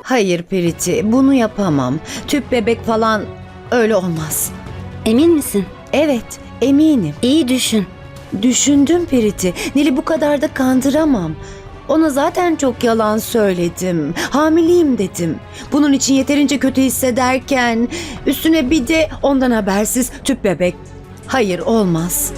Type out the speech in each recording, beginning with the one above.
Hayır Priti, bunu yapamam. Tüp bebek falan öyle olmaz. Emin misin? Evet, eminim. İyi düşün. Düşündüm Priti. Nil'i bu kadar da kandıramam. Ona zaten çok yalan söyledim. Hamileyim dedim. Bunun için yeterince kötü hissederken üstüne bir de ondan habersiz tüp bebek. Hayır, olmaz.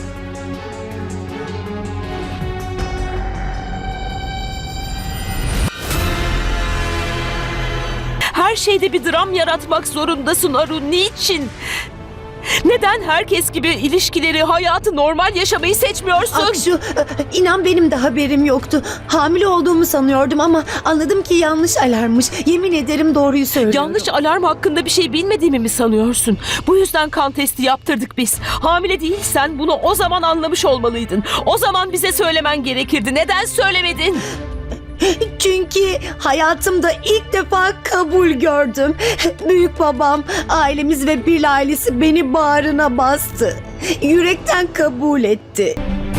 Her şeyde bir dram yaratmak zorundasın Arun. Niçin? Neden herkes gibi ilişkileri, hayatı normal yaşamayı seçmiyorsun? Akşu, inan benim de haberim yoktu. Hamile olduğumu sanıyordum ama anladım ki yanlış alarmmış. Yemin ederim doğruyu söylüyorum. Yanlış alarm hakkında bir şey bilmediğimi mi sanıyorsun? Bu yüzden kan testi yaptırdık biz. Hamile değilsen bunu o zaman anlamış olmalıydın. O zaman bize söylemen gerekirdi. Neden söylemedin? Çünkü hayatımda ilk defa kabul gördüm. Büyük babam, ailemiz ve Bil ailesi beni bağrına bastı. Yürekten kabul etti.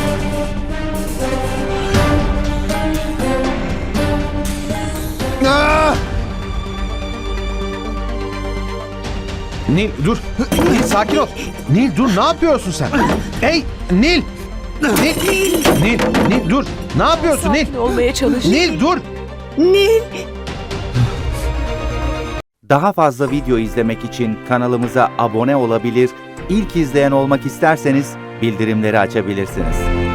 Ah! Nil dur. Nil sakin ol. Nil dur, ne yapıyorsun sen? Hey Nil. Nil dur. Ne yapıyorsun Nil? Sakin olmaya çalış. Nil dur. Nil, Daha fazla video izlemek için kanalımıza abone olabilir, ilk izleyen olmak isterseniz bildirimleri açabilirsiniz.